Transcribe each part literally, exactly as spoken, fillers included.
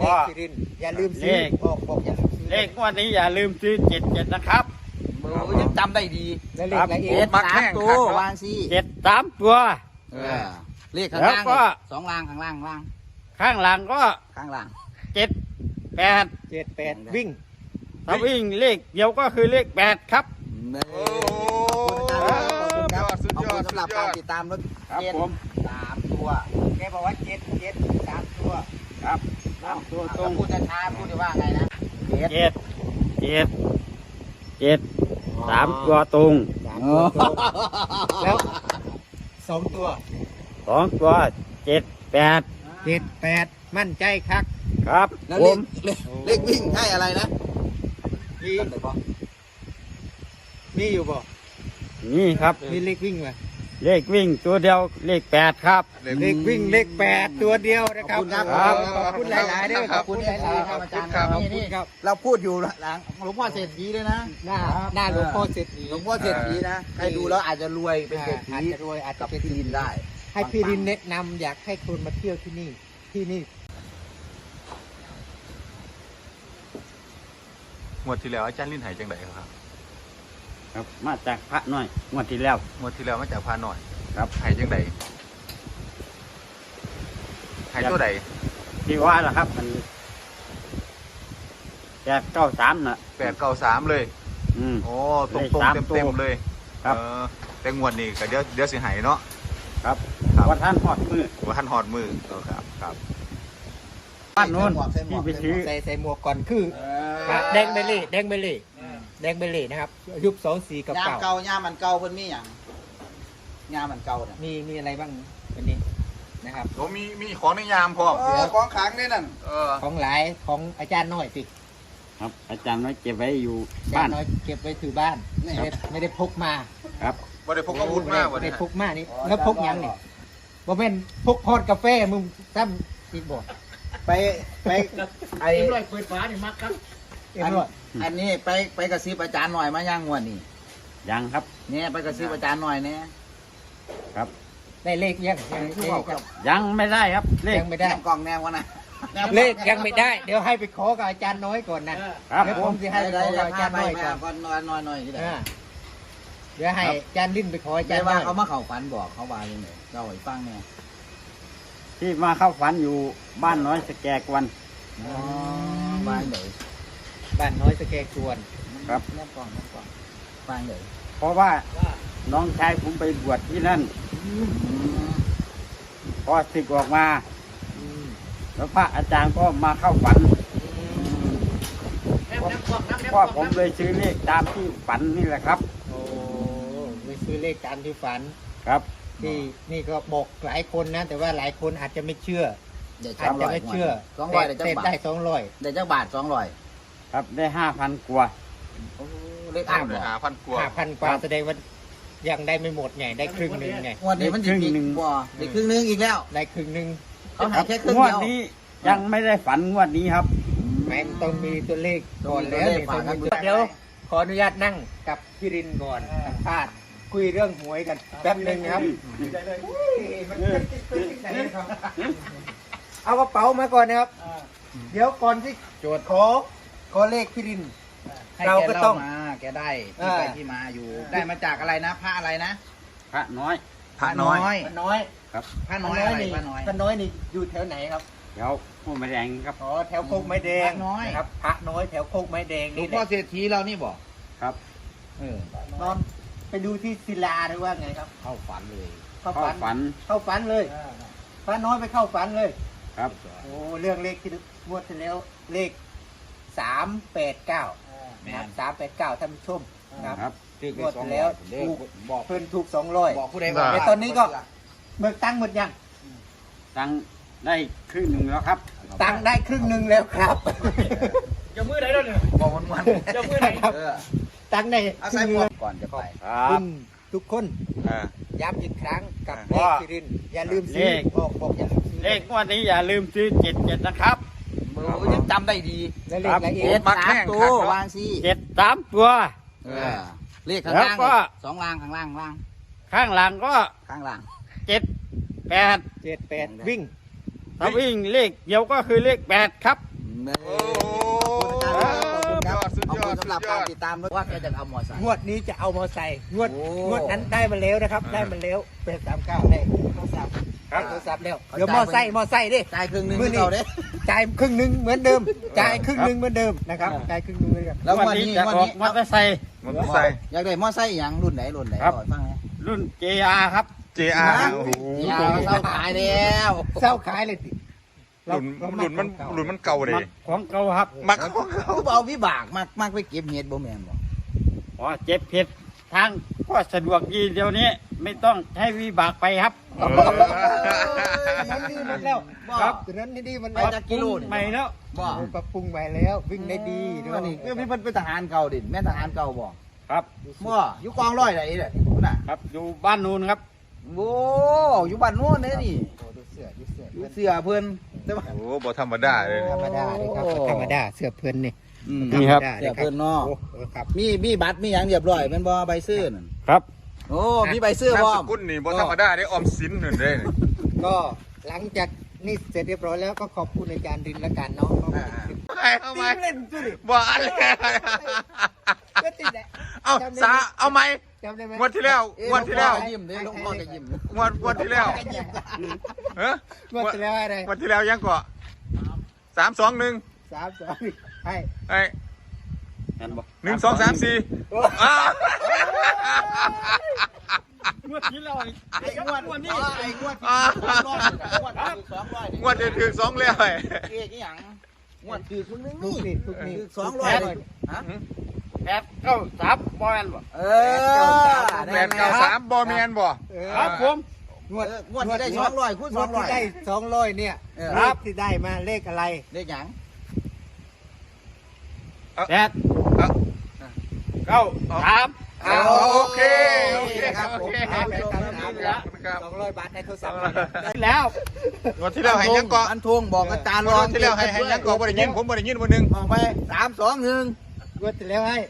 เลขที่ดินอย่าลืมซื้อบอกบอกอย่าลืมซื้อเลขงวดนี้อย่าลืมซื้อเจ็ดเจ็ดนะครับโอ้ยังจำได้ดีและเลขอะไรอีเจ็กดสามตัววางสิเจ็ดสามตัวเออเลขข้างแล้วล่างก็สองล่างข้างล่างล่างข้างหลังก็ข้างล่างเจ็ดแปดเจ็ดแปดวิ่งถ้าวิ่งเลขเดียวก็คือเลขแปดครับโอ้ขอบคุณครับสุดยอดสำหรับการติดตามรถครับเจ็ดผมสามตัวแกบอกว่าเจ็ดเจ็ดสามตัวครับสามตัวตรต้องงพูดช้าๆพูดได้ว่าไงนะเจ็ดเจ็ดเจ็ดเจ็ดสามตัวตรงสามตัวตรงแล้วสองตัวสองตัวเจ็ดแปดเจ็ดแปดมั่นใจครับครับแล้วผเลมขเลขเลขวิ่งให้อะไรนะมีจำได้ปะมีอยู่บ่นี่ครับมีเลขวิ่งไหมเลขวิ่งตัวเดียวเลขแปดครับเลขวิ่งเลขแปดตัวเดียวนะครับครับขอบคุณหลายๆด้วยขอบคุณหลายๆครับอาจารย์ครับขอบคุณครับเราพูดอยู่หลังหลวงพ่อเศรษฐีด้วยนะหน้าหน้าหลวงพ่อเศรษฐีหลวงพ่อเศรษฐีนะใครดูแล้วอาจจะรวยเป็นเศรษฐีอาจจะรวยอาจจะกับเป็นที่ดินได้ให้พี่รินแนะนำอยากให้คนมาเที่ยวที่นี่ที่นี่งวดที่แล้วอาจารย์ลิ้นหายจังไดครับครับมาจากพระน้อยงวดที่แล้วงวดที่แล้วมาจากพาหน่อยครับหายจังไดหายตัวใดที่ว่าล่ะครับ มันแปดเก้าสามน่ะแปดเก้าสามเลยอืมโอ้ตรงเลขตรงสามเต็มตัวเต็มๆเลยครับเออแต่งวดนี้ก็เดี๋ยวเดี๋ยวสิหายเนาะครับครับว่าท่านหอดมือว่าท่านหอดมือเออครับครับบ้านโน้นที่ไปซื้อใส่ใส่หมวกก่อนคือแดงเบลลี่แดงเบลลี่แดงเบลลี่นะครับยุคสองสี่กับยามเก่าเก่ายามมันเก่าเพิ่นมีอย่างยามมันเก่าเนี่ยมีมีอะไรบ้างวันนี้นะครับโอ้มีมีของในยามพร้อมเออของขลังนี่นั่นเออของหลายของอาจารย์น้อยสิครับ อาจารย์ไว้เก็บไว้อยู่อาจาบ้าร นย์น้อยเก็บไว้ถือบ้านไม่ได้ไม่ได้พกมาครับบ่ได้พกอาวุธมากไม่วันได้นี้พกมานี่แล้วพกหยังนี่บ่เป็นพกพอดกาแฟมึงซ้ำอีกบ่ไปไปไอเอ็มร้อยเปิดฝานี่มักครับเอ็มอันร้อยอันนี้ไปไปกระซิบอาจารย์หน่อยมาย่างงวดนี่ยังครับเนี่ยไปกระซิบอาจารย์หน่อยเนี่ยครับได้เลขยังยังเลขยังยังไม่ได้ครับ เลขยังไม่ได้แนบกล่องแนววะนะเลขยังไม่ได้ เดี๋ยวให้ไปขอกับอาจารย์น้อยก่อนนะครับ เดี๋ยวผผม มจะให้ได้ไปขได้อกับอาจารย์ไปน้อยไปก่อนก่อนนอนนอนหน่อยที่ไหนอ่าเดี๋ยวให้อาจารย์ลิ้นไปขออาจาได้รย์น้ว่าอยเขามาเข่าฝันบอกเขาว่าอย่างไรเราให้ฟังเนี่ยที่มาเข้าฝันอยู่บ้านน้อยสแกกวันอ๋อฟังเลยบ้านน้อยสแกกวนครับแนบกล่องแนบกล่องฟังเลยเพราะว่าน้องชายผมไปบวชที่นั่นพอศึกออกมาอืมแล้วพระอาจารย์ก็มาเข้าฝันพ่อผมเลยซื้อเลขตามที่ฝันนี่แหละครับโอ้ไปซื้อเลขตามที่ฝันครับที่นี่ก็บอกหลายคนนะ แต่ว่าหลายคนอาจจะไม่เชื่อเดี๋ยวอาจจะไม่เชื่อสองร้อยเดี๋ยวจะแต่บาทได้สองร้อยเดี๋ยวจะบาทสองร้อยครับได้ห้าพันกว่าเลขอ่านเลบยอกหาพันกว่าห้าพันกว่าแสดงว่ายังได้ไม่หมดไงได้ครึ่งหนึ่งไงงวันนี้มันจะมีบ่เดี๋ยวครึ่งนึงอีกแล้วได้ครึ่งหนึ่งเขาหายแค่ครึ่งงวเดีดยวนี้ยังไม่ได้ฝันงวดนี้ครับแม่งต้องมีตัวเลขก่อนแล้วต้องมีตัวเลขฝากกันเดี๋ยวขออนุญาตนั่งกับพี่รินก่อนสัมภาษณ์คุยเรื่องหวยกันแป๊บหนึ่งครับเอากระเป๋ามาก่อนนะครับ เดี๋ยวก่อนที่โจทย์ขอขอเลขพี่ริน เราก็ต้องให้แมาแกได้ที่ไปที่มาอยู่ ได้มาจากอะไรนะพระอะไรนะพระน้อยพระน้อยพระน้อยพระน้อยอะไรนี่พระน้อยพระน้อยนี่อยู่แถวไหนครับเดี๋ยวผู้มาแดงครับอ๋อแถวโคกไม้แดงพระน้อยนะครับพระน้อยแถวโคกไม้แดงหลวนี่งแหพ่อละเศรษฐีเรานี่บอกครับเออนอนไปดูที่ศิลาหรือว่าไงครับเข้าฝันเลยเข้าเข้าฝันฝันเข้าฝันเลยพระน้อยไปเข้าฝันเลยครับโอ้เรื่องเลขที่งวดที่แล้วเลขสามแปดเก้านะครับสามแปดเก้าท่านผู้ชมนะครับครับงวดที่แล้วถูกบอกเพิ่นถูกสองร้อยบอกผู้ใดบอกแต่ตอนนี้ก็เบิกตังค์หมดยังตังค์ได้ครึ่งหนึ่งแล้วครับตังค์ได้ครึ่งหนึ่งแล้วครับจะมือไหนแล้วเนี่ยบอกมันมันจะมือไหนครับเออตังค์ได้เอาครึ่ใส่งหหมนึ่วงกก่อนจะไปครัคุบณทุกคนเออย้ำอีกครั้งกับเลว่าขที่รินอย่าลืมซื้อเลขบอกบอกอย่าลืมซื้อเลขงวดนี้อย่าลืมซื้อเจ็ดเจ็ดนะครับโอ้ยังจำได้ดีและเลขอะไรอีกเจ็ดสามตัววางสิเจ็ดสามตัวเออเลขข้างแล้วล่างก็สองล่างข้างล่างล่างข้างหลังก็ข้างล่างเจ็ดแปดเจ็ดแปดวิ่งถ้าวิ่งเลขเดียวก็คือเลขแปดครับเลยโอ้ขอบคุณครับสุดขอบยอคุดณสุดสำหรับยกาอรดติดตามว่าแกจะเอามอไซค์งวดนี้จะเอามอไซค์งวดโอ้งวดนั้นได้มาแล้วนะครับ ได้มาแล้วเป็นสามเก้าได้โทรศัพท์ครับโทรศัพท์แล้วเดี๋ยวมอไซค์มอไซค์ดิจ่ายครึ่งหนึงมื้อนี้เราเด้จ่ายครึ่งหนึ่งเหมือนเดิมจ่ายครึ่งหนึ่งเหมือนเดิมนะครับจ่ายครึ่งหนึ่งเหมือนเดิมแล้ววันวันนี้นี้จะวันออกนี้มอเตอร์ไซค์มันก็ใส่อยากได้มอไซค์อย่างรุ่นไหนรุ่นไหนครับก่อนฟังนะรุ่น เจ อาร์ ครับเจอาร์นะโอ้โหอย่าเศร้าขายแล้วเศร้าขายเลยสิหลุนหลุนมันหลุนมันเก่าเลยของเก่าครับมักคือเอาวิบากมากมากไปเก็บเห็ดบ่แม่นบ่อ๋อเจ็บเผ็ดทางก็สะดวกดีเดี๋ยวนี้ ไม่ต้องใช้วิบากไปครับเออถนนดีหมดแล้วครับถนนดีหมดไปแล้วจากกิโลนี่ใหม่แล้วบ่ปรับปรุงใหม่แล้ววิ่งได้ดีด้วอัยนนี้คือพี่เพิ่นเป็นทหารเก่าดิแม่นทหารเก่าบ่ครับบ่อยู่กองร้อยไหนเด้พุ่นน่ะครับอยู่บ้านนูนครับโอ้อยู่บ้านโน้นเด้นี่โอ้ดูเสื้อดูเสื้ออยู่เสื้อเพิ่นแต่ว่าโอ้บ่ธรรมดาเลยธรรมดาเลยครับโอ้ธรรมดาเสื้อเพื่อนนี่อืมนี่ครับธมดาเสื้อเพิ่นเนาะโอ้เออครับมีมีบัตรมีหยังเรียบร้อยแม่นบ่ใบซื้อนั่นครับโอ้มีใบซื้อบ่นามสกุลนี่บ่ธรรมดาได้ออมสินหนึ่งได้นี่ก็หลังจากนี่เสร็จเรียบร้อยแล้วก็ขอบคุณอาจารย์รินและกันเนาะอ่าไปเอาไหมตีเล่นดูดิบ่อะไรก็ติดแหละเอาสาเอาไหมจำได้ไหมงวดที่แล้วเอ๊ะงวดที่แล้วหลวงพ่อก็ยิ้มเด้หลวงพ่อก็ยิ้มงวดงวดที่แล้วเฮ้งวดที่แล้วอะไรงวดที่แล้วยังก่อสามสองหนึ่งสามสองให้ไอ้นั่นบอกหนึ่งสองสามสี่อ้าวงวดที่เราไอ้งวดงวดนี้นี้ไอ้งวดที่สองร้อยงวดที่สองร้อยงวดจะถึงสองแล้วไอ้เอ๊ะอีหยังงวดคือคุณนึงทุกนี่นี่ทุกนี่คือสองร้อยเลยฮะแปดเก้าสามบอลบ่เออแปดเก้าสามบอแมนบ่เออครับผมงวดเอองวดที่ได้สองร้อยคูณงสวอดงร้อที่ยได้สองร้อยเนี่ยเออเลขที่ได้มาเลขอะไรเลขหยังแปดเก้าสามอ้าวโอเคโอเคครับโอผมเคครับเลขผมสามสามครับสองร้อยบาทในโทรศัพท์แล้วงวดที่แล้วให้ยังก่ออันทวงบอกอาจารย์งรวองดที่แล้วให้ให้ยังก่อบ่ได้ยินผมบ่ได้ยินวันหนึงออกไปสามสองหนึ่งงวดที่แล้วให้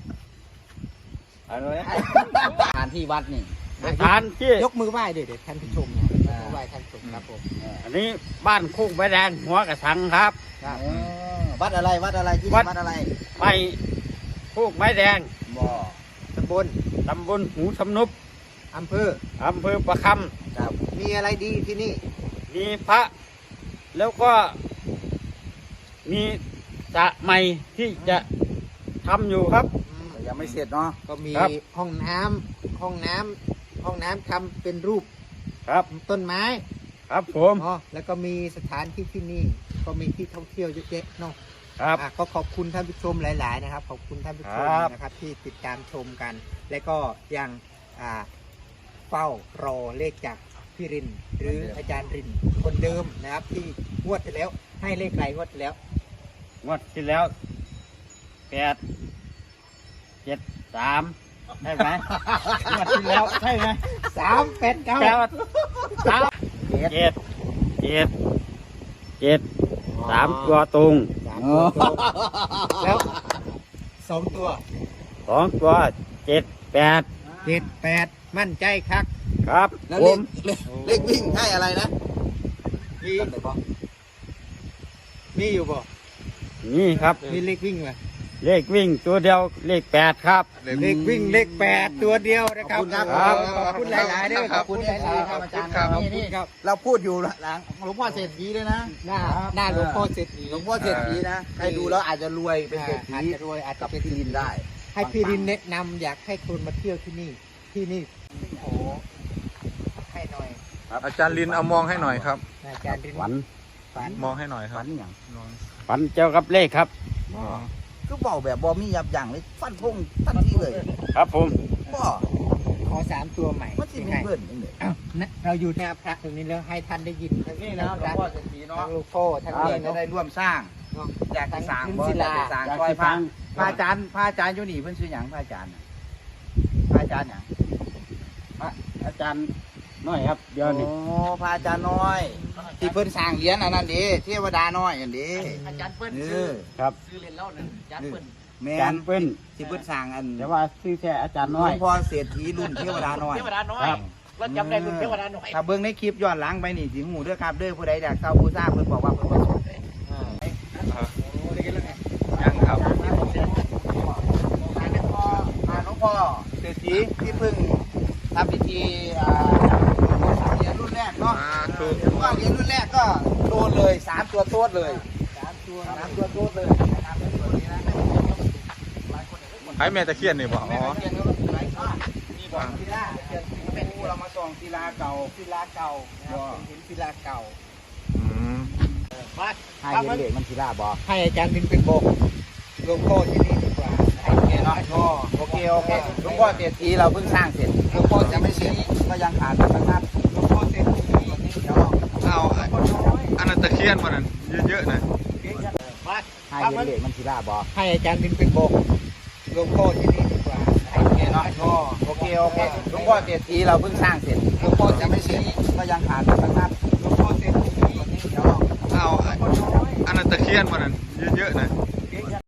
อะไรสถานที่วัดนี่ทานที่ยกมือไหว้เด็ดท่านผู้ชมนะยกมือไหว้ท่านผู้ชมครับผมอันนี้บ้านโคุ้งใบแดงหัวกระสังครับครับเออวัดอะไรวัดอะไรที่วัวัดดอะไรไปโคุ้งใบแดงบ่อตำบลตำบลหูสำนุบอำเภออำเภอประคครับมีอะไรดีที่นี่ำมีพระ แล้วก็มีสระใหม่ที่จะทำอยู่ครับแต่ยังไม่เสร็จเนาะก็มีครับห้องน้ำห้องน้ำห้องน้ำทำเป็นรูปครับต้นไม้ครับผมอ๋อแล้วก็มีสถานที่ที่นี่ก็มีที่ท่องเที่ยวเยอะแยะเนาะครับอ่ะก็ขอบคุณท่านผู้ชมหลาย ๆ นะครับ ขอบคุณท่านผู้ชมครับนะครับ ที่ติดตามชมกัน และก็ยังอ่าเฝ้ารอเลขจากพี่ริน หรืออาจารย์รินคนเดิมนะครับ ที่งวดที่แล้วให้เลขไรงวดที่แล้วงวดที่แล้วแปดเจ็ดสามใช่ไหมงวดที่แล้วใช่ไหมสามแปดเก้าแปดสามเจ็ดเจ็ดเจ็ดเจ็ดสามตัวตรงสามตัวตรงแล้วสองตัวสองตัวเจ็ดแปดเจ็ดแปดมั่นใจครับครับแล้วผเลขมเลขเลขวิ่งให้อะไรนะมีจำได้ปะมีอยู่บ่นี่ครับมีเลขวิ่งไหมเลขวิ่งตัวเดียวเลขแปดครับเลขวิ่งเลขแปดตัวเดียวนะครับครับขอบคุณหลายๆด้วยขอบคุณหลายๆครับอาจารย์ครับขอบคุณครับเราพูดอยู่หลังหลวงพ่อเศรษฐีเลยนะหน้าหน้าหลวงพ่อเศรษฐีหลวงพ่อเศรษฐีนะใครดูแล้วอาจจะรวยเป็นเศรษฐีอาจจะรวยอาจจะกับเป็นที่ดินได้ให้พี่รินแนะนำอยากให้คนมาเที่ยวที่นี่ ที่นี่โอ้ให้หน่อยอาจารย์ลินเอามองให้หน่อยครับอาจารย์รินฝันฝันมองให้หน่อยครัฝับนอย่างฝันเจ้ากับเลขครับก็บอกแบบบอมียับยั้งเลยฟันพงทันทีเลยครับผมบ่ขอสามตัวใหม่มันสิมีให้เบิ้ลยังไงอ้าวนะเราอยู่หน้าพระตรงนี้แล้วให้ท่านได้ยินทั้งนี่ทั้นะงหลวพงระพ่อเศรษฐีเนาะทั้งลูกพ่อทั้งเรานี่จะเนาะได้ร่วมสร้างเนาะอยากจะสร้างทั้งบ่ศิอยาลากจะสร้างซอยพระพระอาจารย์พระอาจารย์อยู่นี่เพิ่นชื่อหยังพระอาจารย์น่ะพระอาจารย์หยังอาจารย์น้อยครับเดี๋ยวนี้โอ้พระอาจารย์น้อย ที่เพิ่นสร้างเหรียญอันนั้นดิเทวดาน้อยอันดิอาจารย์เปิ้ลเอซื้ออครับซื้อเรียนเล่านั่นอาจารย์เปิ้ลแม่อาจารนย์เปิ้ลที่เพิ่นสร้างอันแต่ว่าชื่อแค่อาจารย์หลน้อวย งพ่อเศรษฐีรุ่นเทวดาน้อยเทวดาน้อยครับเราจำได้รุ่นเทวดาน้อยถ้าเบิ่งในคลิปย้อนหลังไปนี่สิหูเด้อครับเด้อผู้ใดอยากเช่าผู้สร้างเพิ่นบอกว่าเพิ่นบ่สนเลยอ่าฐีที่เพิ่งทำพิธีอ่าเหรียญรุ่นแรกเนาะสาธุว่าเหรียญรุ่นแรกก็โดนเลยสามตัวโต๊ดเลยสามตัวสามตัวโต๊ดเลยนะครับเป็นตัวนี้นะให้แม่ตะเคียนนี่บ่แม่อ๋อตะเคียนก็หลายข้อมีบ่อศิลาเป็นเรามาส่องศิลาเก่าศิลาเก่านะครับเป็นหินศิลาเก่าอืมมาให้เหรียญเหล็กมันศิลาบ่ให้อาจารย์รินเป็นบอกหลวงพ่อที่นี่ดีกว่าให้โอเคเนาะโอเคโอเคหลวงพ่อเศรษฐีเราเพิ่งสร้างเสร็จหลวงพ่อจะไม่เสร็จก็ยังขาดพระนัดหลวงพ่อเต็มที่เดี๋ยวเอาอันนั้นตะเคียนมันนั่นเยอะๆนะมาให้เหรียญเหล็กมันศิลาบ่ให้อาจารย์รินเป็นบอกหลวงพ่อที่นี่ดีกว่าให้โอเคเนาะโอเคโอเคหลวงพ่อเศรษฐีเราเพิ่งสร้างเสร็จหลวงพ่อจะไม่เสร็จก็ยังขาดพระนัดหลวงพ่อเต็มที่เดี๋ยวเอาอันนั้นตะเคียนมันนั่นเยอะๆนะ